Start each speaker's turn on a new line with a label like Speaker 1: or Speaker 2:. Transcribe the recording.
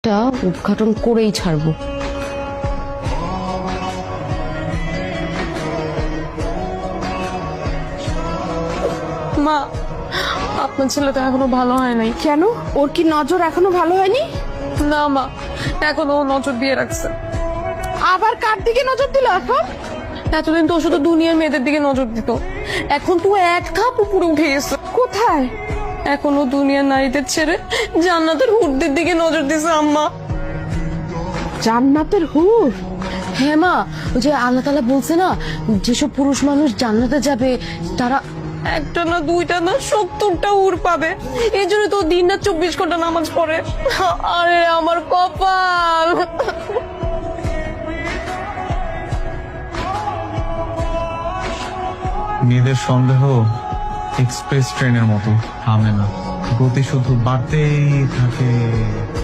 Speaker 1: একটা উদ্ঘাটন করেই ছাড়বো।
Speaker 2: মা, আপনার ছেলেটা এখনো ভালো হয় নাই।
Speaker 3: কেন, ওর কি নজর এখনো ভালো হয়নি?
Speaker 2: না মা, এখনো ও নজর দিয়ে রাখছে।
Speaker 3: আবার কার দিকে নজর দিল এখন?
Speaker 2: এতদিন তো ও শুধু দুনিয়ার মেয়েদের দিকে নজর দিত, এখন তো এক ধাপ উপরে উঠে গেছে।
Speaker 3: কোথায়?
Speaker 2: এখনো দুনিয়ার নারীদের ছেড়ে জান্নাতের হুরদের দিকে নজর দিছে আম্মা।
Speaker 3: জান্নাতের হুর?
Speaker 1: হ্যাঁ মা, ওই যে আল্লাহ তাআলা বলছে না, যেসব পুরুষ মানুষ জান্নাতে যাবে তারা
Speaker 2: একটা না দুইটা না 70টা হুর পাবে। এই জন্য তো দিন না 24 ঘন্টা নামাজ পড়ে। আরে আমার কপাল।
Speaker 4: মেয়েদের সন্দেহ এক্সপ্রেস ট্রেনের মতো থামে না, গতি শুধু বাড়তেই থাকে।